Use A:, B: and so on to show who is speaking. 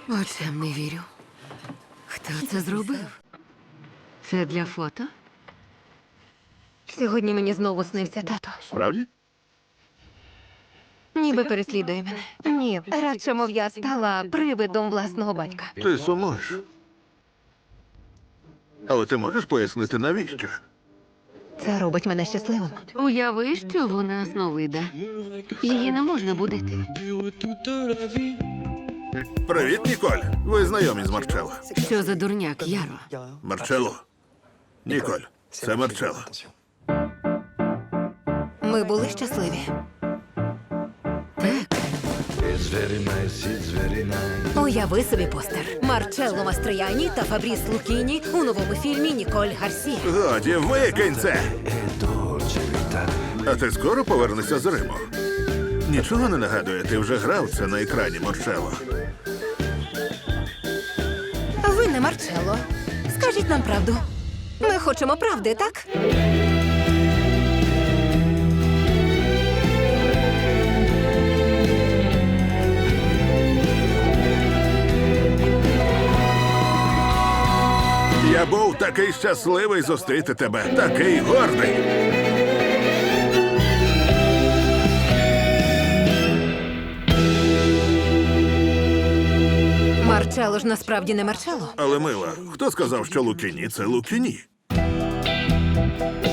A: Очам не вірю. Хто це зробив? Це для фото?
B: Сьогодні мені знову снився тато.
C: Справді?
B: Ніби переслідує мене. Ні, радше, мов я стала привидом власного батька.
C: Ти сумуєш. Але ти можеш пояснити, навіщо?
B: Це робить мене щасливим.
A: Уяви, що вона сновида. Її не можна будити.
C: Привіт, Ніколь. Ви знайомі з Марчелло.
A: Що за дурняк, Яро?
C: Марчелло. Ніколь, це Марчелло.
B: Ми були щасливі.
A: Так,
B: Уяви собі постер. Марчелло Мастрияні та Фабріс Лукіні у новому фільмі Ніколь Гарсі.
C: Годі, викинь це! А ти скоро повернешся з Риму? Нічого не нагадує, ти вже грав це на екрані, Марчелло.
B: Ви не Марчелло. Скажіть нам правду. Ми хочемо правди, так?
C: Я був такий щасливий зустріти тебе, такий гордий.
B: Марчелло ж насправді не Марчелло.
C: Але, мила, хто сказав, що Лукіні – це Лукіні?